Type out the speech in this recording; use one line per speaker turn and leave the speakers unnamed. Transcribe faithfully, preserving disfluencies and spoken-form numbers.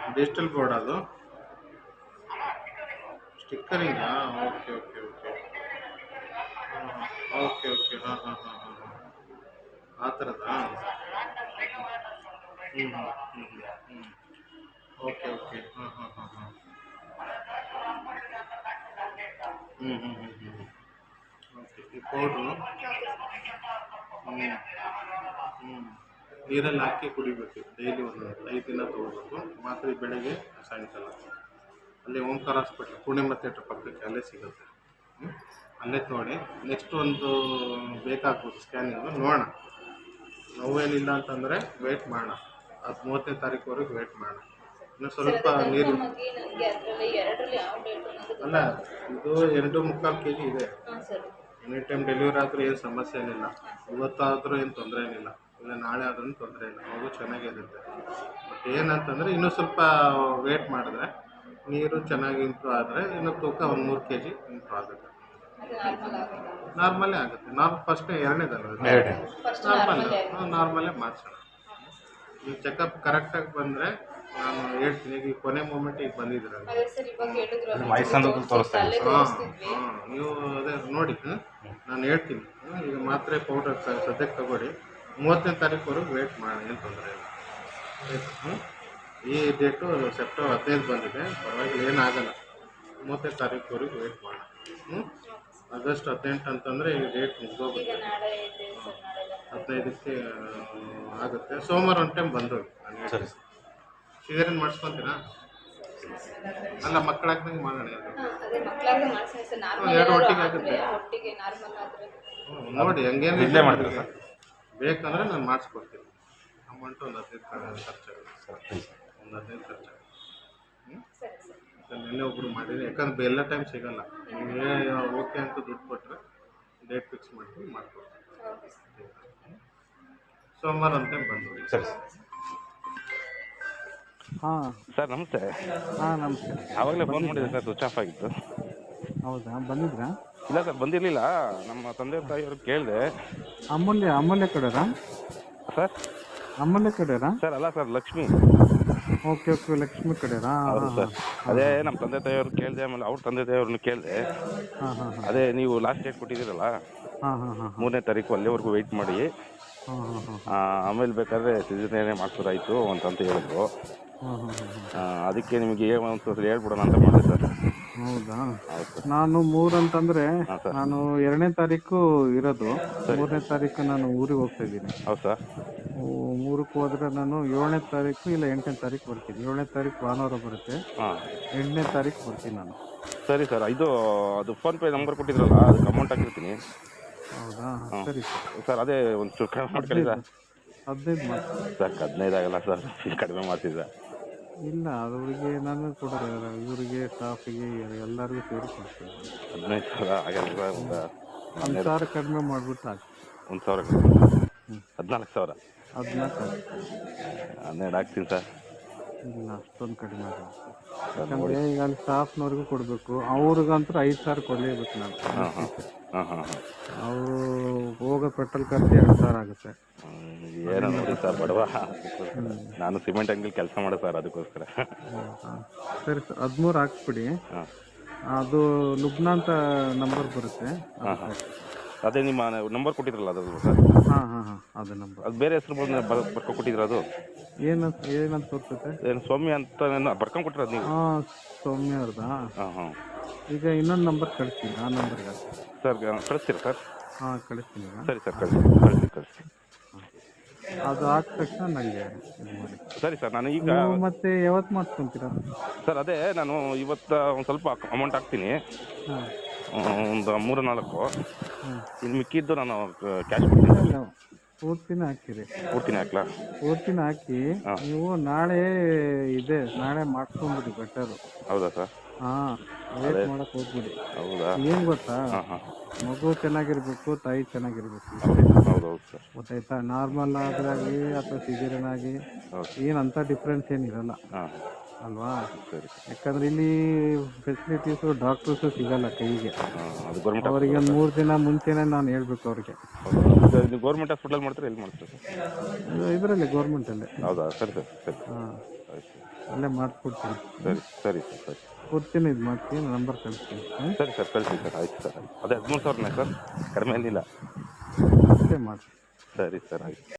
Digital board ಅದು ಸ್ಟಿಕ್ಕರಿಂಗಾ? Okay okay okay okay okay ಹಾಂ ಹಾಂ ಹಾಂ ಹಾಂ ಹಾಂ ಆ ಥರದಾ? ಹ್ಞೂ ಹ್ಞೂ ಹ್ಞೂ ಹ್ಞೂ ಓಕೆ ಓಕೆ ಹಾಂ ಹಾಂ ಹಾಂ ಹಾಂ ಹ್ಞೂ ಹ್ಞೂ ಹ್ಞೂ ಹ್ಞೂ ಓಕೆ ಈ ಪೌಡ್ರು ಹ್ಞೂ ಹ್ಞೂ ನೀರಲ್ಲಿ ಹಾಕಿ ಕುಡಿಬೇಕು ಡೈಲಿ ಒಂದು ಐದು ದಿನ ತೊಗೋಬೇಕು ಮಾತ್ರೆ ಬೆಳಗ್ಗೆ ಸಾಯಂಕಾಲ. ಅಲ್ಲಿ ಓಂಕಾರ ಹಾಸ್ಪಿಟ್ಲ್ ಪೂರ್ಣಿಮಾ ಥಿಯೇಟ್ರ್ ಪಕ್ಕಕ್ಕೆ ಅಲ್ಲೇ ಸಿಗುತ್ತೆ. ಹ್ಞೂ ಅಲ್ಲೇ ತೊಗೊಳ್ಳಿ. ನೆಕ್ಸ್ಟ್ ಒಂದು ಬೇಕಾಗ್ಬೋದು ಸ್ಕ್ಯಾನಿಂಗು ನೋಡೋಣ. ನೋವೇನಿಲ್ಲ ಅಂತಂದರೆ ವೆಯ್ಟ್ ಮಾಡೋಣ. ಅದು ಮೂವತ್ತನೇ ತಾರೀಕುವರೆಗೆ ವೆಯ್ಟ್ ಮಾಡೋಣ. ಇನ್ನು ಸ್ವಲ್ಪ ನೀರು ಅಲ್ಲ ಇದು ಎರಡು ಮುಕ್ಕಾಲು ಕೆ ಜಿ ಇದೆ. ಎನಿ ಟೈಮ್ ಡೆಲಿವರಿ ಆದರೂ ಏನು ಸಮಸ್ಯೆ ಏನಿಲ್ಲ. ಇವತ್ತಾದರೂ ಏನು ತೊಂದರೆ ಏನಿಲ್ಲ, ಇಲ್ಲ ನಾಳೆ ಆದ್ರೂ ತೊಂದರೆ ಇಲ್ಲ, ಮಗು ಚೆನ್ನಾಗಿರುತ್ತೆ. ಬಟ್ ಏನಂತಂದರೆ ಇನ್ನೂ ಸ್ವಲ್ಪ ವೇಟ್ ಮಾಡಿದ್ರೆ ನೀರು ಚೆನ್ನಾಗಿ ಇಂಪ್ರೂವ್ ಆದರೆ ಇನ್ನೂ ತೂಕ ಒಂದು ಮೂರು ಕೆ ಜಿ ಇಂಪ್ರೂವ್ ಆಗುತ್ತೆ. ನಾರ್ಮಲೇ ಆಗುತ್ತೆ. ನಾರ್ಮ್ ಫಸ್ಟೇ ಎರಡನೇದಲ್ಲ ನಾರ್ಮಲ್ ನಾರ್ಮಲೇ ಮಾಡಿಸೋಣ. ನೀವು ಚೆಕಪ್ ಕರೆಕ್ಟಾಗಿ ಬಂದರೆ ನಾನು ಹೇಳ್ತೀನಿ. ಈಗ ಕೊನೆ ಮೂಮೆಂಟ್ ಈಗ ಬಂದಿದ್ದೀರಲ್ಲ ಹಾಂ ನೀವು ಅದೇ ನೋಡಿ ನಾನು ಹೇಳ್ತೀನಿ. ಈಗ ಮಾತ್ರೆ ಪೌಡರ್ ಸದ್ಯಕ್ಕೆ ತಗೊಳ್ಳಿ. ಮೂವತ್ತನೇ ತಾರೀಕುವರೆಗೆ ವೇಟ್ ಮಾಡಿ, ಏನು ತೊಂದರೆ ಇಲ್ಲ ಆಯಿತು. ಹ್ಞೂ ಈ ಡೇಟು ಸೆಪ್ಟೆಂಬರ್ ಹದಿನೈದು ಬಂದಿದೆ, ಪರವಾಗಿಲ್ಲ ಏನಾಗಲ್ಲ. ಮೂವತ್ತನೇ ತಾರೀಕುವರೆಗೆ ವೇಟ್ ಮಾಡೋಣ. ಹ್ಞೂ ಆಗಸ್ಟ್ ಹದಿನೆಂಟು ಅಂತಂದರೆ ಈ ಡೇಟ್ ಮುಗಿದೋಗುತ್ತೆ. ಹದಿನೈದಕ್ಕೆ ಆಗುತ್ತೆ. ಸೋಮವಾರ ಒಂದು ಟೈಮ್ ಬಂದೋಗಿ ನಾನು
ಸರಿ.
ಸಿಜೇರಿಯನ್ ಮಾಡಿಸ್ಕೊತೀರಾ? ಅಲ್ಲ ಮಕ್ಕಳಾಗ್ದಂಗೆ ಮಾಡೋಣ. ಎರಡು ಒಟ್ಟಿಗೆ ಆಗುತ್ತೆ. ಹ್ಞೂ ನೋಡಿ ಹಂಗೇನು
ಇಲ್ಲೇ ಮಾಡ್ತೀರಾ ಸರ್?
ಬೇಕಂದರೆ ನಾನು ಮಾಡಿಸ್ಕೊಡ್ತೀನಿ. ಅಮೌಂಟು ಒಂದು ಹದಿನೈದು ಖರ್ಚಾಗುತ್ತೆ. ಒಂದು ಹದಿನೈದು ಖರ್ಚಾಗುತ್ತೆ. ಹ್ಞೂ ನಿನ್ನೆ ಒಬ್ಬರು ಮಾಡಿರಿ, ಯಾಕಂದ್ರೆ ಎಲ್ಲ ಟೈಮ್ ಸಿಗೋಲ್ಲ. ನೀವೇ ಓಕೆ ಅಂತ ದುಡ್ಡು ಕೊಟ್ಟರೆ ಡೇಟ್ ಫಿಕ್ಸ್ ಮಾಡ್ತೀನಿ, ಮಾಡ್ಕೊಡ್ತೀನಿ. ಸೋಮವಾರ ಒಂದು ಟೈಮ್ ಬಂದು.
ಸರಿ
ಹಾಂ
ಸರ್ ನಮಸ್ತೆ.
ಹಾಂ ನಮಸ್ತೆ.
ಆವಾಗಲೇ ಫೋನ್ ಮಾಡಿದೆ ಸರ್, ಸ್ವಿಚ್ ಆಫ್ ಆಗಿತ್ತು.
ಹೌದಾ, ಬಂದಿದ್ರಾ?
ಇಲ್ಲ ಸರ್ ಬಂದಿರಲಿಲ್ಲ. ನಮ್ಮ ತಂದೆ ತಾಯಿಯವ್ರಿಗೆ ಕೇಳಿದೆ.
ಅಮೂಲ್ಯ ಅಮೂಲ್ಯ ಕಡೆರಾ
ಸರ್?
ಅಮೂಲ್ಯ ಕಡೆರಾ
ಸರ್ ಅಲ್ಲ sir, Lakshmi.
Okay okay Lakshmi ಕಡೆರಾ?
ಹೌದು ಸರ್. ಅದೇ ನಮ್ಮ ತಂದೆ ತಾಯಿಯವ್ರು ಕೇಳಿದೆ, ಆಮೇಲೆ ಅವ್ರ ತಂದೆ ತಾಯಿಯವ್ರನ್ನ ಕೇಳಿದೆ.
ಹಾಂ ಹಾಂ ಹಾಂ
ಅದೇ ನೀವು ಲಾಸ್ಟ್ ಡೇಟ್ ಕೊಟ್ಟಿದ್ದೀರಲ್ಲ
ಹಾಂ ಹಾಂ ಹಾಂ
ಮೂರನೇ ತಾರೀಕು, ಅಲ್ಲಿವರೆಗೂ ವೆಯ್ಟ್ ಮಾಡಿ
ಹಾಂ ಹಾಂ ಹಾಂ
ಆಮೇಲೆ ಬೇಕಾದ್ರೆ ಸಿಜೇರಿಯನ್ನೇ ಮಾಡಿಸೋದಾಯಿತು ಅಂತಂತ ಹೇಳಿದ್ರು.
ಹಾಂ ಹಾಂ ಹಾಂ
ಅದಕ್ಕೆ ನಿಮಗೆ ಒಂದು ಸಲ ಹೇಳ್ಬಿಡೋಣ ಅಂತ ಮಾಡಿದೆ ಸರ್.
ಹೌದಾ?
ಹೌದು
ನಾನು ಮೂರು ಅಂತಂದರೆ
ಹಾಂ ಸರ್.
ನಾನು ಎರಡನೇ ತಾರೀಕು ಇರೋದು. ಮೂರನೇ ತಾರೀಕು ನಾನು ಊರಿಗೆ ಹೋಗ್ತಾ ಇದ್ದೀನಿ.
ಹೌದು ಸರ್.
ಮೂರಕ್ಕೆ ಹೋದರೆ ನಾನು ಏಳನೇ ತಾರೀಕು ಇಲ್ಲ ಎಂಟನೇ ತಾರೀಕು ಬರ್ತೀನಿ. ಏಳನೇ ತಾರೀಕು ಭಾನುವಾರ ಬರುತ್ತೆ.
ಹಾಂ
ಎಂಟನೇ ತಾರೀಕು ಬರ್ತೀನಿ ನಾನು.
ಸರಿ ಸರ್. ಇದು ಅದು ಫೋನ್ಪೇ ನಂಬರ್ ಕೊಟ್ಟಿದ್ರಲ್ಲ, ಅದಕ್ಕೆ ಅಮೌಂಟ್ ಹಾಕಿರ್ತೀನಿ.
ಹೌದಾ?
ಹಾಂ
ಸರಿ ಸರ್.
ಸರ್ ಅದೇ ಒಂದು ಚೂರು ಕಡಿಮೆ ಮಾಡ್ಕೊಳ್ಳಿ ಸರ್.
ಹದಿನೈದು ಮಾಡ್ತೀನಿ
ಸರ್ ಹದಿನೈದು ಆಗಲ್ಲ ಸರ್, ಕಡಿಮೆ ಮಾಡ್ತಿದ್ದೆ.
ಇಲ್ಲ, ಅದವರಿಗೆ ನಾನು ಕೊಡೋದು ಇವರಿಗೆ ಸ್ಟಾಫಿಗೆ ಎಲ್ಲರಿಗೂ ಸೇರಿ ಕೊಡ್ತೀನಿ.
ಹದಿನೈದು ಸಾವಿರ ಆಗಲ್ಲ ಸರ್. ಒಂದು
ಒಂದು ಸಾವಿರ ಕಡಿಮೆ ಮಾಡಿಬಿಟ್ಟು ಹಾಕಿ.
ಒಂದು ಸಾವಿರ ಹದಿನಾಲ್ಕು ಸಾವಿರ
ಹದಿನಾಲ್ಕು
ಹನ್ನೆರಡು ಹಾಕ್ತೀನಿ ಸರ್.
ಇಲ್ಲ, ಅಷ್ಟೊಂದು ಕಡಿಮೆ ಆಗಲ್ಲ.
ಸರ್ ನೋಡಿ.
ಯಾಕಂದರೆ ಈಗ ಅಲ್ಲಿ ಸ್ಟಾಫ್ನವ್ರಿಗೂ ಕೊಡಬೇಕು, ಅವ್ರಿಗಂತೂ ಐದು ಸಾವಿರ ಕೊಡಲೇಬೇಕು ನಾನು.
ಹಾಂ ಹಾಂ ಹಾಂ ಹಾಂ ಹಾಂ
ಅವರು ಹೋಗೋ ಪೆಟ್ರೋಲ್ ಖರ್ಚು ಎರಡು ಸಾವಿರ ಆಗುತ್ತೆ.
ಏನೋ ನೋಡಿ ಸರ್, ಬಡವ. ನಾನು ಸಿಮೆಂಟ್ ಅಂಗಡಿ ಕೆಲಸ ಮಾಡೋ ಸರ್, ಅದಕ್ಕೋಸ್ಕರ.
ಹಾಂ ಸರಿ ಸರ್, ಹದಿಮೂರು ಹಾಕ್ಸ್ಬಿಡಿ.
ಹಾಂ
ಅದು ಲುಬ್ನಾ ಅಂತ ನಂಬರ್ ಬರುತ್ತೆ.
ಹಾಂ ಹಾಂ ಅದೇ ನಿಮ್ಮ ನಂಬರ್ ಕೊಟ್ಟಿದ್ರಲ್ಲ ಅದು ಸರ್?
ಹಾಂ ಹಾಂ ಹಾಂ ಅದು ನಂಬರ್.
ಅದು ಬೇರೆ ಹೆಸರು ಬಂದು ಬರ್ಕೊಂಡು ಕೊಟ್ಟಿದ್ರ? ಅದು
ಏನಂತ ಏನಂತ ತೋರಿಸುತ್ತೆ?
ಏನು ಸ್ವಾಮಿ ಅಂತ ಬರ್ಕೊಂಡು ಕೊಟ್ಟಿರೋದು ನೀವು?
ಹಾಂ ಸೌಮ್ಯ ಅವ್ರದಾ?
ಹಾಂ ಹಾಂ
ಈಗ ಇನ್ನೊಂದು ನಂಬರ್ ಕಳಿಸ್ತೀನಿ, ಆ ನಂಬರ್ಗೆ
ಸರ್ ಕಳಿಸ್ತೀರಾ ಸರ್?
ಹಾಂ ಕಳಿಸ್ತೀನಿ.
ಸರಿ ಸರ್, ಕಳಿಸಿ ಕಳಿಸಿ ಕಳಿಸಿ.
ಅದು ಹಾಕಿದ ತಕ್ಷಣ ನನಗೆ ಇದು ಮಾಡಿ.
ಸರಿ ಸರ್. ನಾನು ಈಗ
ನೀವು ಮತ್ತೆ ಯಾವತ್ತು ಮಾಡ್ಕೊತೀರಾ
ಸರ್? ಅದೇ ನಾನು ಇವತ್ತು ಒಂದು ಸ್ವಲ್ಪ ಅಮೌಂಟ್ ಹಾಕ್ತೀನಿ,
ಹಾಂ
ಒಂದು ಮೂರು ನಾಲ್ಕು.
ಹಾಂ
ಇನ್ನು ಮಿಕ್ಕಿದ್ದು ನಾನು ಕ್ಯಾಶ್ ಕೊಡ್ತೀನಿ.
ಇಲ್ಲ, ಪೂರ್ತಿನ ಹಾಕಿರಿ.
ಕೊಡ್ತೀನಿ ಹಾಕ್ಲಾ?
ಪೂರ್ತಿನ ಹಾಕಿ
ಹಾಂ.
ನೀವು ನಾಳೆ ಇದೆ, ನಾಳೆ ಮಾಡ್ಕೊಂಬಿಡಿ ಬೆಟರು.
ಹೌದಾ ಸರ್?
ಹಾಂ, ವೇಟ್ ಮಾಡಕ್ಕೆ ಹೋಗ್ಬಿಡಿ.
ಹೌದಾ?
ಏನು ಗೊತ್ತಾ,
ಹಾಂ ಹಾಂ
ಮಗು ಚೆನ್ನಾಗಿರ್ಬೇಕು, ತಾಯಿ ಚೆನ್ನಾಗಿರ್ಬೇಕು.
ಹೌದು ಹೌದು ಸರ್.
ಗೊತ್ತಾಯ್ತಾ? ನಾರ್ಮಲ್ ಆದ್ರಾಗಿ ಅಥವಾ ಸಿಜೇರಿಯನ್ ಆಗಿ
ಹೌದು.
ಏನಂತ ಡಿಫ್ರೆನ್ಸ್ ಏನಿರಲ್ಲ
ಹಾಂ
ಅಲ್ವಾ?
ಸರಿ.
ಯಾಕಂದ್ರೆ ಇಲ್ಲಿ ಫೆಸಿಲಿಟೀಸು ಡಾಕ್ಟರ್ಸು ಸಿಗಲ್ಲ ಕೈಗೆ.
ಹಾಂ ಅದು ಗೌರ್ಮೆಂಟ್
ಅವರಿಗೆ ಒಂದು ಮೂರು ದಿನ ಮುಂಚೆನೇ ನಾನು ಹೇಳ್ಬೇಕು ಅವ್ರಿಗೆ.
ಹೌದಾ? ನೀವು ಗೌರ್ಮೆಂಟ್ ಹಾಸ್ಪಿಟಲ್ ಮಾಡ್ತೀರಾ, ಎಲ್ಲಿ ಮಾಡ್ತೀರಾ ಸರ್?
ಇದರಲ್ಲಿ ಗೌರ್ಮೆಂಟಲ್ಲೇ.
ಹೌದಾ? ಸರಿ ಸರ್, ಸರಿ
ಹಾಂ
ಆಯ್ತು.
ಅಲ್ಲೇ ಮಾಡಿಸ್ಕೊಡ್ತೀನಿ.
ಸರಿ ಸರಿ ಸರ್ ಸರಿ
ಕೊಡ್ತೀನಿ, ಇದು ಮಾಡ್ತೀನಿ, ನಂಬರ್ ಕಳಿಸ್ತೀನಿ. ಹಾಂ
ಸರಿ ಸರ್ ಕಳಿಸಿ ಸರ್. ಆಯ್ತು ಸರ್. ಅದೇ ಹದಿಮೂರು ಸಾವಿರನೇ ಸರ್, ಕಡಿಮೆ ಏನಿಲ್ಲ.
ಅಷ್ಟೇ ಮಾಡಿ.
ಸರಿ ಸರ್ ಆಯ್ತು.